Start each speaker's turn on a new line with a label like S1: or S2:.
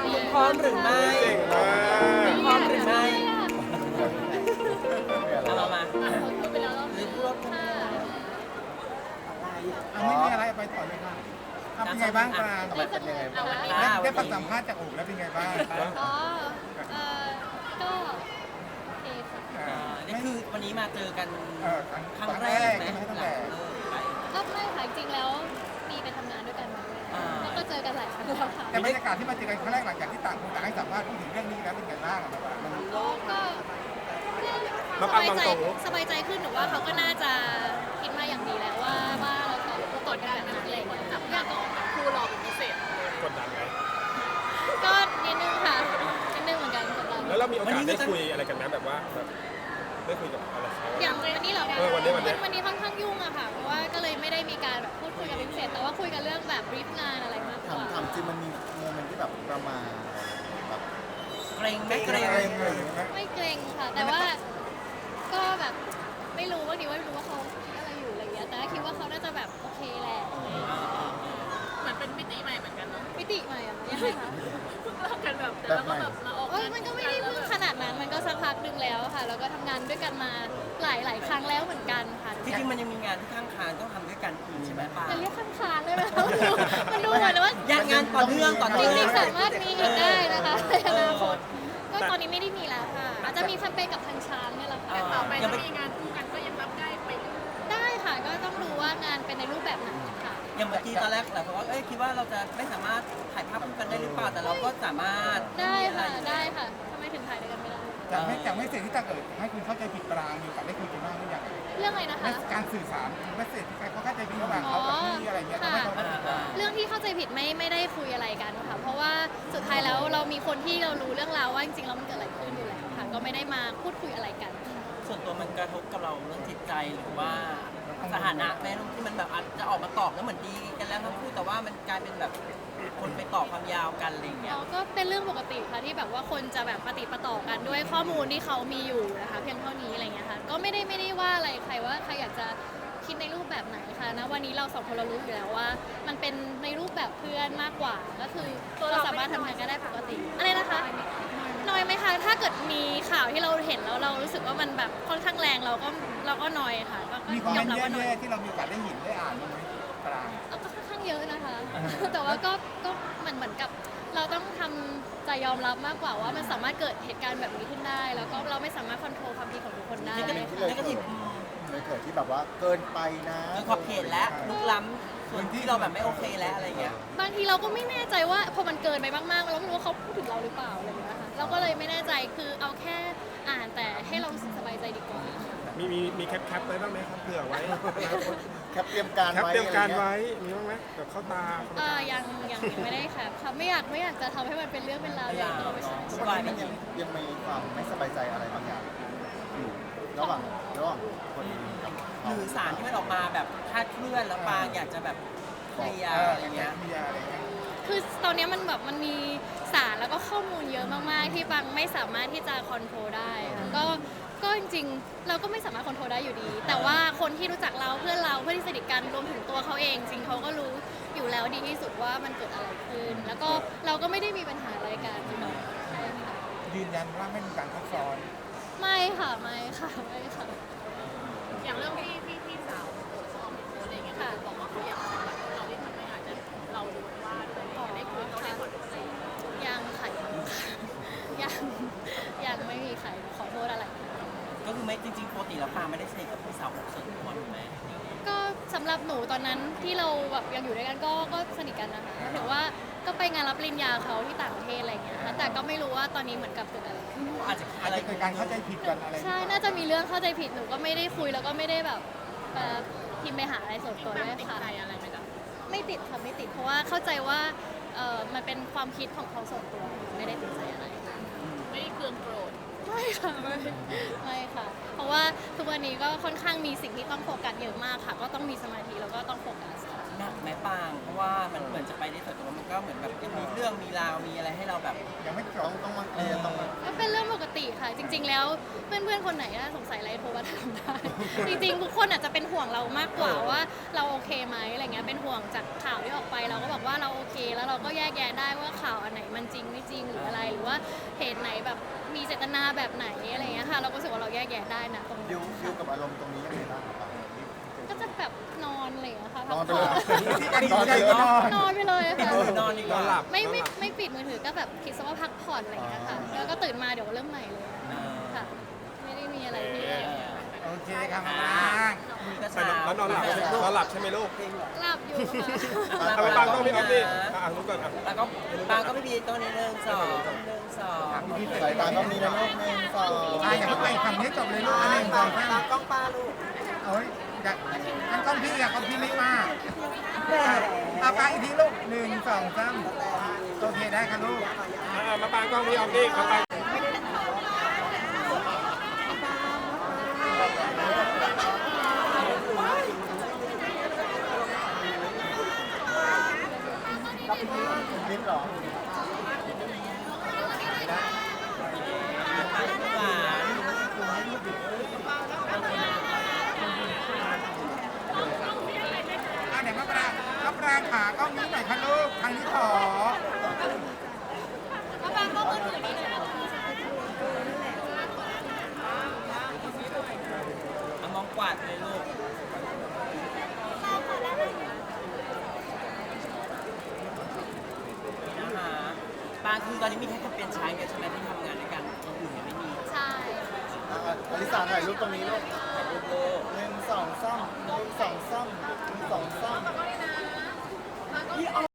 S1: พร้อมหรือไม่
S2: เก่งมาก
S1: พร้อมหรือไม่เอาเรามา
S3: พูดไปแล้วรอบ
S1: หรือพูด
S3: ค่ะ
S2: ไม่มีอะไรไปต่อเลยค่ะเป็นไงบ้างปราง
S3: ได้สนุกนะคะ
S2: ได้ฟังสัมภาษณ์จากโอ๋แล้วเป็นไงบ้าง
S3: อ๋อก็โอเคค่ะ
S1: นี่คือวันนี้มาเจอกันครั้ง
S2: ครั้ง
S1: แร
S2: แร
S1: ก
S2: ก
S1: ไหม
S2: ใช่ไหมตั้ง
S1: หลั
S2: แต่
S1: งเลิกไป
S3: ก็ไม่ค่ะจริงๆแล้วมีไปทำงานด้วยกันมาด้วยแล้วก็เจอกันหลายครั้งแล้วค่ะ
S2: แต่บรรยากาศที่มาเจอกันครั้งแรกหลังจากที่ต่างคนต่างให้สัมภาษณ์พูดถึงเรื่องนี้แล้วเป็นไงบ้างมัน
S3: ก็สบายใจขึ้นหรือว่าเขาก็น่าจะคิดมาอย่างดีแล้วว่าเราต้องกดกันแบบนั้นอะไรอย่างเงี้ยอยากก็ครูรอเป็นพิเศษ
S4: กดดันไหม
S3: ก็นิดนึงค่ะนิดนึงเหมือนกันกดดัน
S4: แล้วเรามีโอกาสได้คุยอะไรกันไหมแบบว่าแบบได้คุยกับอะไรเขา
S3: อย่างวันนี้เหรอ
S4: วันนี้
S3: วันนี้ค่อนข้างยุ่งอะค่ะเพราะว่าก็เลยไม่ได้มีการแบบพูดคุยกันเป็นพิเศษแต่ว่าคุยกันเรื่องแบบรีฟงานอะไรมากกว่า
S5: ถามจริงมันมีโมเมนต์ที่แบบประมาณแบบ
S1: เกรงไหมเกรง
S3: ไม่เกรงค่ะ แต่ว่าก็แบบไม่รู้ว่าดีว่าไม่รู้ว่าเขาคิดอะไรอยู่อะไรเงี้ยแต่คิดว่าเขาน่าจะแบบโอเคแหละ
S6: เหมือนเป็นมิติใหม่เหมือนกันเนาะ
S3: มิติใหม่อะยังไงคะ
S6: เพิ่งเลิกกันแบบแต่
S5: แบบ
S6: เรา
S5: ให
S6: ก็
S5: ม่
S6: แบบมาออก
S3: โอ้ยมันก็ไม่ได้เพิ่งขนาดนั้นมันก็สักพักหนึ่งแล้วค่ะแล้วก็ทำงานด้วยกันมาหลายครั้งแล้วเหมือนกันค่ะ
S1: ที่จริงมันยังมีงานที่ข้างคานต้องทำด้วยกันอีกใช่ไหมป้า
S3: จะเรียกข้างๆได้ไหมคะมันดูเหมือนว่า
S1: ยังงานต่อเนื่องต่อ
S3: จ
S1: เนื่อง
S3: ริงๆสามารถมีอีกได้นะคะในอนาคตก็ตอนนี้ไม่ได้มีแล้วค่ะอาจจะมีแคมเปญกับทางช้างเนี่ยแหละค่ะ
S6: แต่ต่อไปถ้ามีงานคู่กันก็ยังรับได้ไป
S3: ได้ค่ะก็ต้องดูว่างานเป็นในรูปแบบไหนค่ะ
S1: อย่างเมื่อกี้ตอนแรกหลายคนว่าคิดว่าเราจะไม่สามารถถ่ายภาพคู่กันได้หรือเปล่าแต่เราก็สามารถ
S3: ได้ค่ะได้ค่ะทำไมถึงถ่ายด้วยกันไม่ได้
S2: จากไม่เสร็จที่ตาเกิดให้คุณเข้าใจผิดปรางมีโอกาสได้คุยกันบ้างหรือยัง
S3: เรื่องอะไรนะคะ
S2: การสื่อสารไม่เสร็จที่เขาเข้าใจผิดระหว่างเขากับพี่อะไรเงี้ยทำให้เขา
S3: เรื่องที่เข้าใจผิดไม่ได้คุยอะไรกันค่ะ เพราะว่าสุดท้ายแล้วเรามีคนที่เรารู้เรื่องราวว่าจริงๆแล้วมันเกิดอะไรขึ้นอยู่แล้วค่ะ ก็ไม่ได้มาพูดคุยอะไรกันค่ะ
S1: ส่วนตัวมันกระทบกับเราเรื่องจิตใจหรือว่าสถานะแม้ที่มันแบบอาจจะออกมาตอบแล้วเหมือนดีกันแล้วทั้งคู่แต่ว่ามันกลายเป็นแบบคนไปต่อความยาวกันอะไรอย่างเงี้ย
S3: เราก็เป็นเรื่องปกติค่ะที่แบบว่าคนจะแบบปฏิดประต่อกันด้วยข้อมูลที่เขามีอยู่นะคะเพียงเท่านี้อะไรเงี้ยค่ะก็ไม่ได้ว่าอะไรใครว่าใครอยากจะคิดในรูปแบบไหนค่ะนะวันนี้เราสองคนเรารู้อยู่แล้วว่า มันเป็นในรูปแบบเพื่อนมากกว่า ก็คือเราสามารถทำงานกันได้ปกติอะไรนะคะน้อยไหมคะถ้าเกิดมีข่าวที่เราเห็นแล้วเรารู้สึกว่ามันแบบค่อนข้างแรงเราก็น้อยค่ะก็
S2: มีคอมเม
S3: ยอน ม
S2: ต์
S3: รับว่าน้อย
S2: แย่ๆที่เรามีโอกาสได้เห็นได้อ่านบ้างไหมปราง
S3: ก็ค่อนข้างเยอะนะคะ แต่ว่าก็เหมือนกับเราต้องทำใจยอมรับมากกว่าว่ามันสามารถเกิดเหตุการณ์แบบนี้ขึ้นได้ แล้วก็เราไม่สามารถควบคุมความคิดของทุกคนได้
S1: นี่ก็
S3: ค่ะ
S1: นี่ก็ที่
S5: เลยเกิดที่แบบว่าเกินไปนะ
S1: มีขอบเขตและลุกล้ำส่วนที่เราแบบไม่โอเคแล้วอะไรเงี้ย
S3: บางทีเราก็ไม่แน่ใจว่าพอมันเกินไปมากๆเราไม่รู้ว่าเขาพูดถึงเราหรือเปล่าอะไรอย่างเงี้ยค่ะเราก็เลยไม่แน่ใจคือเอาแค่อ่านแต่ให้เรารู้สึกสบายใจดีกว่า
S4: มีแคปไว้บ้างไหมครับเผื่อไว้
S5: แคปเตรียมการ
S4: แคป
S5: ไว้
S4: เตรียมการ
S5: อะ
S4: ไว้มีบ้างไหมแบบเข้าตา
S3: ยังไม่ได้ค่ะค่ะไม่อยากจะทำให้มันเป็นเรื่องเป็นราวใหญ่โตไปใช่
S5: ทุกวันนี้มันยังมีความไม่สบายใจอะไรบางอย่างอยู่ระหว่างคนกับ
S1: ห
S5: เขา
S1: รือสารที่มันออกมาแบบคลาดเคลื่อนแล้วปางอยากจะแบบเคลียร์อะไรเงี้ย
S2: มีอะไรเงี้ย
S3: คือตอนนี้มันแบบมันมีสารแล้วก็ข้อมูลเยอะมากๆ ที่บางไม่สามารถที่จะคอนโทรลได้ค่ะก็จริงๆ เราก็ไม่สามารถคอนโทรลได้อยู่ดี แต่ว่าคนที่รู้จักเราเพื่อนที่สนิทกันรวมถึงตัวเขาเองจริงเขาก็รู้อยู่แล้วดีที่สุดว่ามันเกิดอะไรขึ้น แล้วก็เราก็ไม่ได้มีปัญหาอะไรกันใช่ค่ะ
S2: ยืนยันว่าไม่มีการทับซ้อน
S3: ไม่ค่ะ
S6: อย่างเรื่องที่พี่สาวโพสต์อะไรเงี้ยบอกว่าเขาอยากแบบเราที่ทำให้อาจจะเราโดนว่าด้วยได้คุยเขาได้ขอโทษ
S3: ยังค่ะยังไม่มีใครขอโทษอะไร
S1: ก็คือไม่จริงๆปกติแล้วปางไม่ได้สนิทกับพี่สาวของส่วนตัวถูกไหม
S3: ก็สำหรับหนูตอนนั้นที่เราแบบยังอยู่ด้วยกันก็สนิทกันนะคะถือว่าก็ไปงานรับปริญญาเขาที่ต่างประเทศอะไรอย่างเงี้ยค่ะแต่ก็ไม่รู้ว่าตอนนี้เหมือนกับเกิดอะไรขึ้น
S1: อาจจะ
S2: อาจจะเกิดการเข้าใจผิดกันอะไร
S3: ใช่น่าจะมีเรื่องเข้าใจผิดหนูก็ไม่ได้คุยแล้วก็ไม่ได้แบบพิมพ์ไปหาอะไรส่วนตัว
S6: แบ
S3: ด้
S6: บ
S3: วย
S6: ติด
S3: ค่ะ
S6: ใจอะไรไหมจ๊ะ
S3: ไม่ติดค่ะไม่ติดเพราะว่าเข้าใจว่ามันเป็นความคิดของเขาส่วนตัวไม่ได้ติดใจอะไร
S6: ไม่ได้เคืองโกรธ
S3: ไม่ค่ะไม่ค่ะ เพราะว่าทุกวันนี้ก็ค่อนข้างมีสิ่งที่ต้องโฟกัสเยอะมากค่ะ ก็ต้องมีสมาธิแล้วก็ต้องโฟกัสค่ะ
S1: หนักแม่ปางเพราะว่ามันเหมือนจะไปได้สวยแต่ว่ามันก็ก็เหมือนแบบยังมีเรื่องมีราวมีอะไรให้เราแบบ
S2: ยังไม่จ
S5: ต้อบ งมาเคลียร์ต้องมา
S3: ก็เป็นเรื่องปกติค่ะ จริง ๆ แล้วเพื่อนๆคนไหนถ้าสงสัยอะไรโทรมาถามได้ จริงๆทุกคนอาจจะเป็นห่วงเรามากกว่าว่าเราโอเคไหมอะไรเงี้ยเป็นห่วงจากข่าวที่ออกไปเราก็บอกว่าเราโอเค แล้วเราก็แยกแยะได้ว่าข่าวอันไหนมันจริงไม่จริงหรืออะไร หรือว่าเหตุไหนแบบมีเจตนาแบบไหนอะไรเงี้ยค่ะ เราก็รู้สึกว่าเราแยกแยะได้นะตรง
S5: ดิ
S3: นี้
S5: วกับอารมณ์ตรงนี้ยังไงบ้างครับ
S3: ก็จะแบบนอนอะไรอย่างเงี้ยค่ะ
S5: นอนไป
S3: พัก
S5: เลย
S3: ผ่อน
S2: ที่การดีใจก็นอน
S3: นอนไปเลยค่ะ
S1: นอนดีก
S4: นอ
S1: ว่าน
S4: หลับ
S3: ไม่ปิดมือถือก็แบบคิดซะว่าพักผ่อนอะไรอย่างเงี้ยค่ะแล้วก็ตื่นมาเดี๋ยวเริ่มใหม่เลย
S1: เออ
S3: ค่ะ ไม่ได้มีอะไรที่
S2: โอเคครับมาบ้าง
S1: มือก็
S4: ไป
S1: ชา
S4: แล้วนอนหลับใช่ไหมลูก
S3: หลับอยู่ค่ะ
S4: เอาไปปังต้องพี่ออฟดิรู้ก่อนอ่ะ
S1: แล้วก็ปางก็ไม่มีตัวนี้1 2
S5: สายตาต้องมีนะลูก1 2
S2: อย่าเพิ่งไปฝั่งนี้จบเลยลูกอันหนึ่งสองสาม
S1: กล้องป้าลูก
S2: โอ้ยอยากอันก้อนพี่อ่ะก้อนพี่ไม่มาเอาไปอีกทีลูก1 2 3โอเคได้ค่ะลูก
S4: มาปังต้องพี่ออฟดิมาปัง
S5: ลิ้นหรอ
S1: หวาน
S2: อ่ะไหนมะปรางขากล้องนี้หน่อยค่ะลูกทางนี้ขอ
S3: มาฟังก็มือถือนี่เลยนะคะ
S1: เอามองกวาดเลยลูกนะคะปางคือตอนนี้มีแค่แคมเปญใช้เนี่ยใช่ไหมที่ทำงานด้วยกันอย่างอื่นยังไม่มี
S3: ใช่
S5: อลิสาถ่ายรูปตรงนี้ลูก
S1: ลูกโลก
S5: 1 2 3 1 2 3 1 2 3